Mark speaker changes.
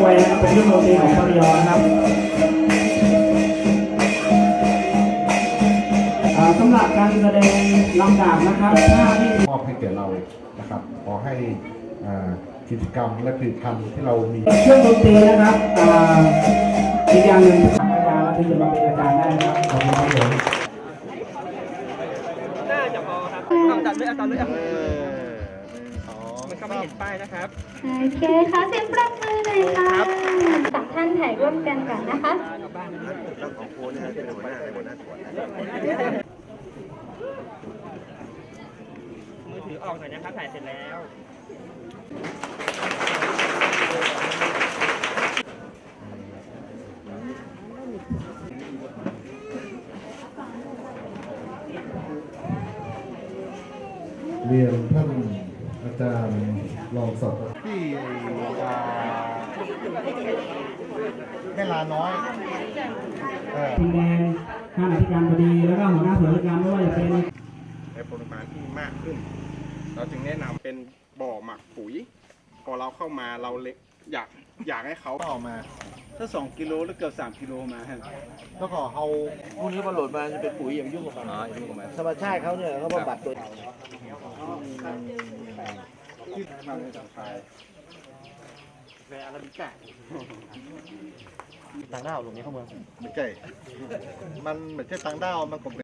Speaker 1: วยนะครับเป็นเครื่องดนตรีของพระยอนะครับสำหรับการแสดงลำดับนะครับหน้าที่
Speaker 2: มอบให้แก่เรานะครับขอให้กิจกรรมและผลิตภัณฑ์ที่เรามี
Speaker 1: เครื่องดนตรีนะครับอีกอย่างหนึ่งทางอาจารย์และที่จะมาเป็นอาจารย์ได้นะครับขอบคุณครับผม
Speaker 3: น่าจะพอครับเอาตัดเลยมันก็ไม่เห็นป้ายนะครับ
Speaker 4: โอเคค่ะเสียงปรบมือเลยค่ะสองท่านถ่ายร่วมกันก่อนนะคะ
Speaker 3: มือถือออกหน่อยนะครับถ่ายเสร็จแล้ว
Speaker 2: เรียนท่านอาจารย์รองศาสตราที่แม่ลาน้อย
Speaker 1: ทีมแดงท่านอธิการบดีแล้วก็หัวหน้าส่วนราชการไม่ว่าจะเป็น
Speaker 5: ในปริมาณที่มากขึ้นเราจึงแนะนำเป็นบ่อหมักปุ๋ยพอเราเข้ามาเราอยากให้เขา
Speaker 6: ออกมาถ้า2 กิโลหรือเกือบ3 กิโลมาฮะ
Speaker 2: แล้วก็เอา
Speaker 6: พวกนี้พอโหลดมาจะเป็นปุ๋ยอย่างยุ่งกับมันธรรมชาติเขาเนี่ยเขาบำบัดตัว
Speaker 5: ที่ทางจากไทย
Speaker 3: แวร์อาราบิก้า
Speaker 6: ต่างด้าวตรงนี้เข้าเมือง
Speaker 2: ไม่ใช่มันไม่ใช่ต่างด้าวมันก็